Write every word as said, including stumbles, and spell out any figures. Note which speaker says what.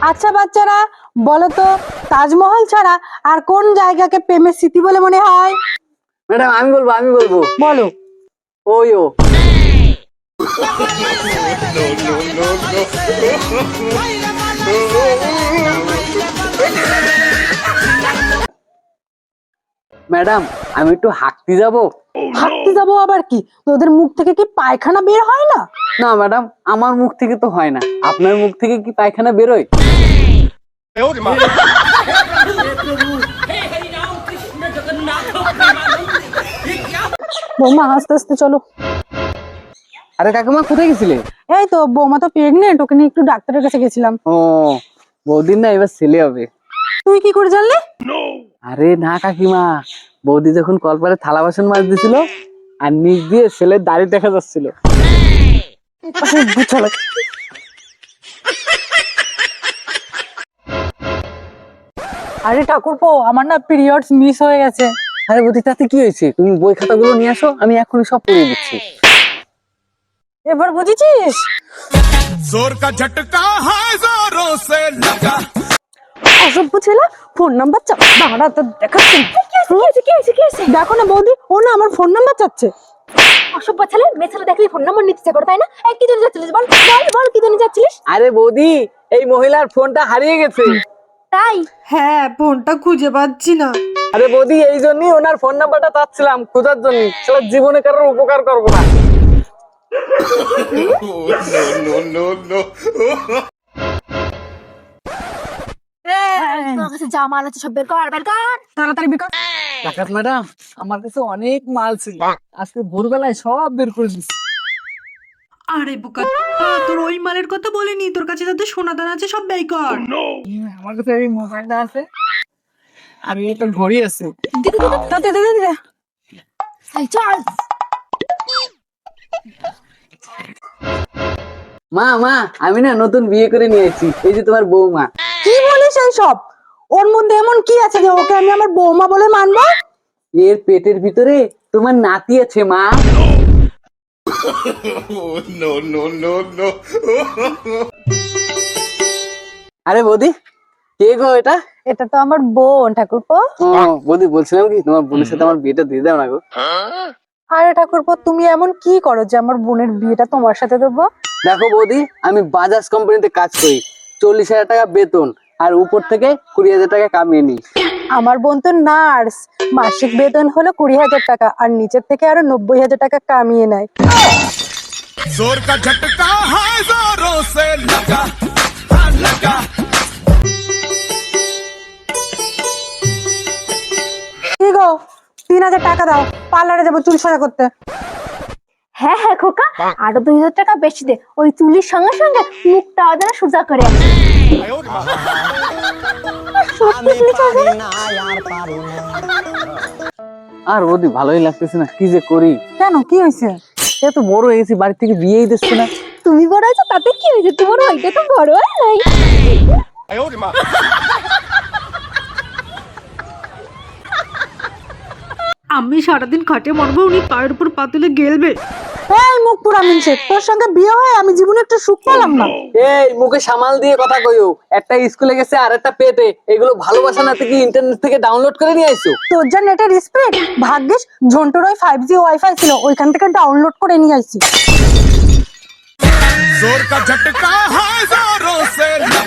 Speaker 1: আচ্ছা বাচ্চারা বলো তো, তাজমহল ছাড়া আর কোন জায়গাকে প্রেমের স্মৃতি বলে মনে হয়?
Speaker 2: ম্যাডাম আমি বলবো আমি বলবো
Speaker 1: বলো।
Speaker 2: ওই ও ম্যাডাম আমি একটু হাঁটতে যাব।
Speaker 1: হাঁটতে যাবো আবার কি? তোদের মুখ থেকে কি পায়খানা বের হয় না?
Speaker 2: না ম্যাডাম, আমার মুখ থেকে তো হয় না, আপনার মুখ থেকে কি পায়খানা বেরোয়?
Speaker 1: বৌমা আস্তে আস্তে চলো।
Speaker 2: আরে কাকিমা কোথায় গেছিলে?
Speaker 1: এই তো বৌমা তো প্রেগনেন্ট, ওকে নিয়ে একটু ডাক্তারের কাছে গেছিলাম।
Speaker 2: ও বৌদির না এবার ছেলে হবে।
Speaker 1: তুই কি করে জানলি?
Speaker 2: আরে না কাকিমা, বৌদি যখন কলপারে থালা বাসন মাছ দিছিল আর নিচ দিয়ে ছেলের দাড়ি দেখা যাচ্ছিল।
Speaker 1: চলো। আরে ঠাকুরপো, আমার না পিরিয়ডস মিস হয়ে গেছে।
Speaker 2: আরে বৌদি তাতে কি হয়েছে, তুমি বই খাতাগুলো নিয়ে আসো, আমি এখনই সব পড়িয়ে দিচ্ছি।
Speaker 1: এবার বুঝেছিস?
Speaker 3: जोर का झटका है जोरों से लगा।
Speaker 1: অসভ্য ছেলে, ফোন নাম্বার চা দাঁড়া তো দেখাচ্ছি। দেখো না বৌদি, ও না আমার ফোন নাম্বার চাচ্ছে।
Speaker 4: অসভ্য ছেলে, মেয়ে ছেলে দেখলে ফোন নাম্বার নিতে ইচ্ছে করে, তাই না? এই কি জন্য যাচ্ছিলিস বল বল বল কি জন্য যাচ্ছিলিস?
Speaker 2: আরে বৌদি, এই মহিলার ফোনটা হারিয়ে গেছে।
Speaker 4: তাই?
Speaker 1: হ্যাঁ, ফোনটা খুঁজে পাচ্ছি না।
Speaker 2: আরে বৌদি, এই জন্যই ওনার ফোন নাম্বারটা চাচ্ছিলাম খোঁজার জন্য, সারা জীবনে কারোর উপকার করবো না।
Speaker 3: No no no no।
Speaker 4: তোর কাছে যা মাল আছে সব বের কর, বের কর
Speaker 1: তাড়াতাড়ি বিকাশ।
Speaker 2: ডাকাত ম্যাডাম, আমার কাছে অনেক মাল ছিল, আজকে ভোরবেলায় সব বের করে দিচ্ছি।
Speaker 5: আরে বোকা, তোর ওই মালের কথা বলিনি, তোর কাছে যাতে সোনা দানা আছে সব ব্যয় কর।
Speaker 2: আমার কাছে এই মোবাইলটা আছে আর একটা ঘড়ি আছে।
Speaker 1: দে দে দে দে।
Speaker 4: এই চল।
Speaker 2: মা মা, আমি না নতুন বিয়ে করে নিয়েছি, এই যে তোমার বৌমা।
Speaker 1: কি বলিস এই সব? ওর মধ্যে এমন কি আছে যে ওকে আমি আমার বৌমা বলে মানবো?
Speaker 2: এর পেটের ভিতরে তোমার নাতি আছে মা।
Speaker 3: No no no no।
Speaker 2: আরে বৌদি, কে গো এটা?
Speaker 1: এটা তো আমার বোন ঠাকুরপো।
Speaker 2: ও বৌদি, বলছিলাম কি তোমার বোনের সাথে আমার বিয়েটা দিয়ে দাও না গো।
Speaker 1: আরে ঠাকুরপো, তুমি এমন কি করো যে আমার বোনের বিয়েটা তোমার সাথে দেবো?
Speaker 2: দেখো বৌদি, আমি বাজাজ কোম্পানিতে কাজ করি, চল্লিশ হাজার টাকা বেতন আর উপর থেকে কুড়ি হাজার টাকা কামিয়ে নিই।
Speaker 1: আমার বোন তো নার্স, মাসিক বেতন হলো কুড়ি হাজার টাকা আর নিচের থেকে আরো নব্বই হাজার টাকা কামিয়ে নেয়।
Speaker 3: जोर का झटका है जोरों से लगा। हाँ लगा।
Speaker 1: কি গো, তিন হাজার টাকা দাও, পার্লারে যাবো চুল সোজা করতে।
Speaker 4: হ্যাঁ হ্যাঁ খোকা, আরো দুই হাজার টাকা বেশি দে, ওই চুলির সঙ্গে সঙ্গে মুখটা যেন সোজা করে আসে।
Speaker 2: আর বৌদি ভালোই লাগতেছে না, কি যে করি।
Speaker 1: কেন, কি হয়েছে?
Speaker 2: এত বড় হয়ে গেছি, বাড়ি থেকে বিয়েই দিচ্ছে না।
Speaker 4: তুমি বড় হয়েছো তাতে কি হয়েছে, তোমার ওইটা তো বড় হয় নাই।
Speaker 5: আমি সারাদিন খাটে মরবো, উনি পায়ের উপর পাতুলে গেলবে।
Speaker 1: এই মুখ পুরা মিনছে, তোর সঙ্গে বিয়ে হয়ে আমি জীবনে একটু সুখ পেলাম না।
Speaker 2: এই মুখে সামাল দিয়ে কথা কইও, একটা স্কুলে গেছে আর একটা পেটে, এগুলো ভালোবাসা না থেকে ইন্টারনেট থেকে ডাউনলোড করে নিয়ে আইছো।
Speaker 1: তোর যা নেটের স্পিড, ভাগ্যিস ঝন্টুর ওই ফাইভ জি ওয়াইফাই ছিল, ওইখান থেকে ডাউনলোড করে নিয়ে আইছি।
Speaker 3: जोर का झटका है जोरों से लगा।